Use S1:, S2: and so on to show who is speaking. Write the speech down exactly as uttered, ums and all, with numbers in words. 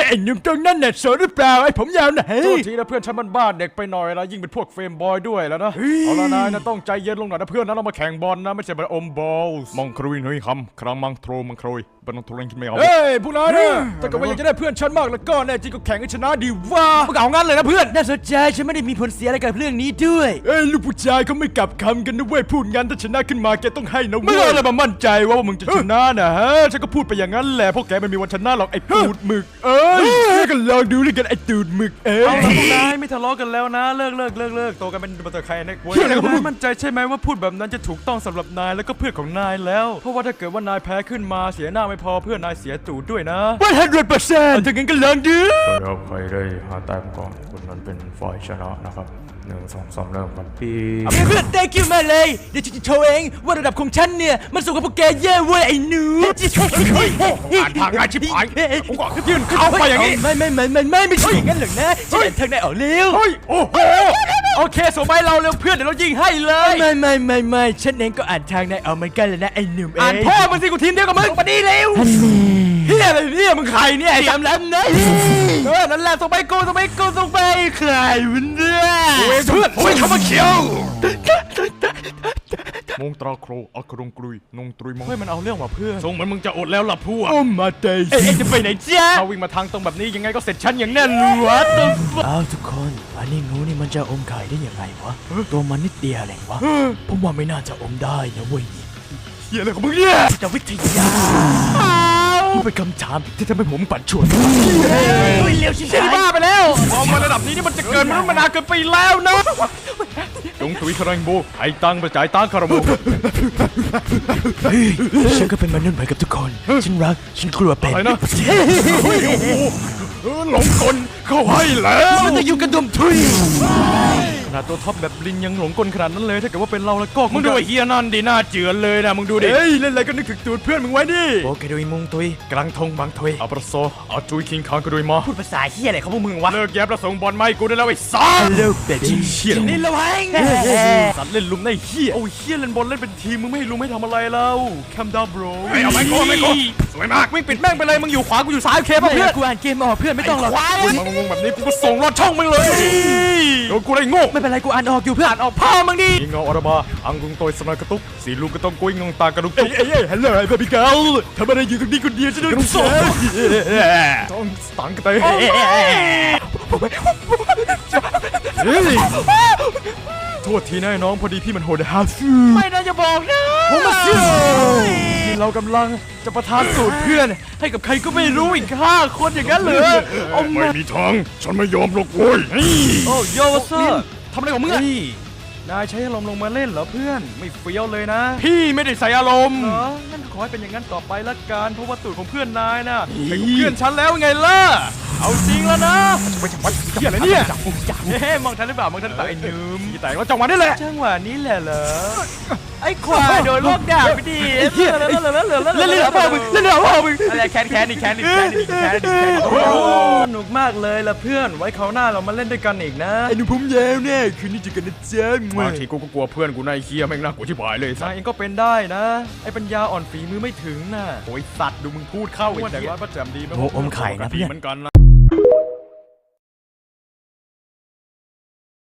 S1: ไอ้หนุ่มตรงนั้นเนี่ยโสดหรือเปล่าไอ้ผมยาวไหน
S2: โทษทีนะเพื่อนฉันมันบ้าเด็กไปหน่อยนะยิ่งเป็นพวกเฟรมบอยด้วยแล้วนะเอาละนายนะต้องใจเย็นลงหน่อยนะเพื่อนนะเรามาแข่งบอลนะไม่ใช่มาอมบอลมองครุยหนุ่ยคำครั้งมังโทรมังครุยบันทงคิดไม่เอาเฮ้ยพวกนายนะแต่ก็ว่าอยากจะได้เพื่อนฉันมากแล้วก็แน่จริงก็แข่งให้ชนะดีว่ามึงเอางั้นเลยนะเพื่อน
S1: น่าสนใจฉันไม่ได้มีผลเสียอะไรกับเรื่องนี้ด้วยเอ้ยลูกผู้ชายเขาไม่กลับคำกันนะเว้ยพูดงั้นถ้าชนะขึ้นมาแกต้องให้นะเว้ยไม่อะไรมามั่นใจว่ามึงจะชนะนะฮะฉันก็พูดไปอย่างนั้นแหละเพราะแกไม่มีวันชนะหรอกไอ้ตูดหมึกเอ้ยก็ลองดูด้วยกันไอ้ตูดหมึกเอ้ยเอาละพวกนายไม่ทะเลาะกันแล้วนะเลิกเลิกเลิกเลิกโตกันเป็นบัตรใครนะเว้ยนายมั่นใจใช่ไหมว่าพูดแบบนั้นจะถูกต้องสำหรับนายแล้วก็เพื่อนของนายแล้วเพราะว่าถ้าเกิดว่านายแพ้ขึ้นมาเสียหน้าไม่พอเพื่อนนายเสียตูดด้วยนะหนึ่งร้อยเปอร์เซ็นต์ถ้างั้นก็ลองดู
S2: ครับใครได้หาแต้มก่อนคนนั้นเป็นฝ่ายชนะนะครับหนึ่งสองสามเริ่มกันพี่
S1: เพื่อน thank you มาเลยเดี๋ยวฉันจะโชว์เองว่าระดับของฉันเนี่ยมันสูงกว่าพวกแกเย่เว้ยไอ้หนู
S2: อ่านทางง่ายชิบหายผมก็ยื่นเข้าไปอย่างนี้
S1: ไม่ไม่ไม่ไม่ไม่ไม่ใช่อย่างนั้นหรอกนะฉันเห็นทางไหนออกเร็ว
S2: โอ้โหโอเคส่งไปเราเร็วเพื่อนเดี๋ยวเรายิงให้เลย
S1: ไม่ไม่ไม่ไม่ฉันเองก็อ่านทางไหนออกเหมือนกันเลยนะไอ้หนุ่มเอง
S2: อ่านพ่อมึงสิกูทีมเดียวกับมึงมาดีเร็วเฮียอะไรเนี่ยมึงใครเนี่ย
S1: จำแล้วนะ
S2: เออนั่นแหละส่งไปกูส่งไปกูส่งไป
S1: ใครมันเนี่ย
S2: เพื่อนโอ้ยเข้ามาเขียวมงตราโครอัครงกรุยนงตรุยมงเฮ้ยมันเอาเรื่องว่ะเพื่อนส่งเหมือนมึงจะอดแล้วล่ะพวก
S1: โอ้มาเตย
S2: เอ๊ะจะไปไหนจ้าถ้าวิ่งมาทางตรงแบบนี้ยังไงก็เสร็จฉันอย่างแน่นอนวะ
S1: อ้าวทุกคนอันนี้งูนี่มันจะอมไข่ได้ยังไงวะตัวมันนิดเดียวเองวะผมว่าไม่น่าจะอมได้นะเว้ย
S2: เฮียอะไรของมึงเนี่ย
S1: จะวิทยานี่เป็นคำถามที่ทำให้ผมปั่นชวนเร็วชิบหาย
S2: บ้าไปแล้วมองมาระดับนี้นี่มันจะเกินมนุษย์มนาเกินไปแล้วนะจงตุยคารังโบไอ้ตังไปจ่ายตังคาราโบ
S1: ฉันก็เป็นมนุษย์เหมือนกับทุกคนฉันรักฉันกลัวเป็น
S2: อะไรนะหลงกลเข้าให้แล้ว
S1: มันจะอยู่กระดุมทุย
S2: ขนาดตัวท็อปแบบลิงยังหลงกลขนาดนั้นเลยถ้าเกิดว่าเป็นเราแล้วก็มึงดูไอ้เฮียนั่นดิหน้าเจือนเลยนะมึงดูดิเฮ้ยเล่นอะไรก็นึกถึงตูดเพื่อนมึงไว้ดิ
S1: โอเคโดยมุงตุย
S2: กลางทงบางทยอัปโซอาจุยคิงคางก็โดยมา
S1: พูดภาษาเฮียอะไรของพวกมึงวะ
S2: เลิกแย้มประสงค์บอลไม่กูได้แล้วไอ้ซ่า
S1: เลิกเด็ดเฮีย
S2: นี่
S1: ระวัง
S2: สัตว์เล่นลุมในเฮียโอ้เฮียเล่นบอลเล่นเป็นทีมมึงไม่ให้ลุมให้ทำอะไรแล้วแคมดาบรไม่เอาไม่โกไม่โกสวยมากวิ่งปิดแม่งไปเลยมึงอยู่ขวากูอยู่ซ้ายโอเคป่ะเพื่อน
S1: กูอ่านเกมออกเพื่อนไม่ต้องหรอก
S2: มึงงงแบบนี้กูก็ส่งรอดช่องมึงเลยโดนกูได้โง่
S1: ไม่เป็นไรกูอ่านออกอยู่เพื่อน
S2: อ่านออกพ่อมึงดิยิงเอาอรบาอังกุงโตยสนอยกระตุกสีลูกก็ต้องกุ้ยงงตากระดุก
S1: เอ้ยเอ้ยฮัลโหลไอ้เบบี้เกิร์ลทำอะไรอยู่ตรงนี้คนเดียวจะโดนสอน
S2: ต้องตังกันไปโทษทีนะน้องพอดีพี่มันโหดฮาฟู
S1: ไม่น่าจะบอกนะ
S2: ผมมาเสียที่เรากำลังจะประทานสูตรเพื่อนให้กับใครก็ไม่รู้อีกห้าคนอย่างนั้นเลยไม่มีทางฉันไม่ยอมหรอกโว้ย
S1: โอ้โยเซอร์
S2: ทำอะไรของมึงอะนายใช้อารมณ์ลงมาเล่นเหรอเพื่อนไม่เฟี้ยวเลยนะพี่ไม่ได้ใส่อารมณ์เหรองั้นขอให้เป็นอย่างนั้นต่อไปละกันเพราะว่าตูดของเพื่อนนายน่ะเป็นเพื่อนฉันแล้วไงล่ะเอาจริงแล้วนะไปจังหวะเฮียอะไรเนี่ยเฮ้มองทันหรือเปล่ามองทันเปล่าไอ้ยืมแต่ว่าจังหวะนี้แหละ
S1: จังหวะนี้แหละเหรอไอ้ควายโดนลอกด่าไปดิเล่นเล่นเล่นเล่นเล่น
S2: เล่นเล่นพ่อมึงเล่นเล่นพ่อมึง
S1: อะไรแคนแคนอีกแคนอีกแคนอีกแคนอีกแคนสนุกมากเลยล่ะเพื่อนไว้คราวหน้าเรามาเล่นด้วยกันอีกนะ
S2: ไอ้หนุ่มผมยาวเนี่ยคืนนี้จะกันนะจ๊ะบางทีกูก็กลัวเพื่อนกูนายเคียแม่งน่ากลัวชิบหายเลยนายเองก็เป็นได้นะไอ้ปัญญาอ่อนฝีมือไม่ถึงน่ะโอ้ยสัตว์ดูมึงพูดเข้าไอ้แต่ว่าประจำดี
S1: โอ้อมไข่นะเพื่อน
S2: เหมือนกันนะ